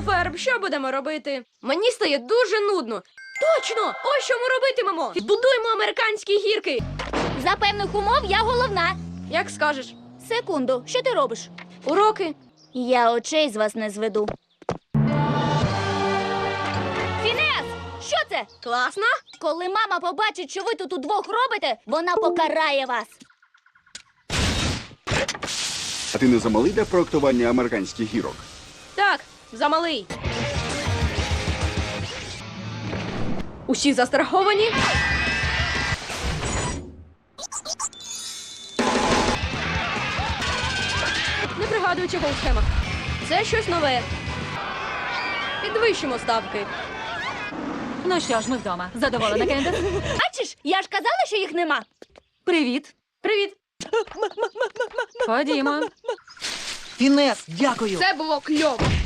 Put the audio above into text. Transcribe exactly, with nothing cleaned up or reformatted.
Ну, Ферб, що будемо робити? Мені стає дуже нудно. Точно! Ось що ми робитимемо! Будуємо американські гірки! За певних умов я головна. Як скажеш. Секунду, що ти робиш? Уроки. Я очей з вас не зведу. Фінес! Що це? Класно? Коли мама побачить, що ви тут удвох робите, вона покарає вас. А ти не замалий для проектування американських гірок? Так, замалий. Усі застраховані? Не пригадую, чого у схемах. Це щось нове. Підвищимо ставки. Ну що ж, ми вдома. Задоволена, Кендес? Бачиш, я ж казала, що їх нема. Привіт. Привіт. Ходімо. Фінес, дякую. Це було кльово.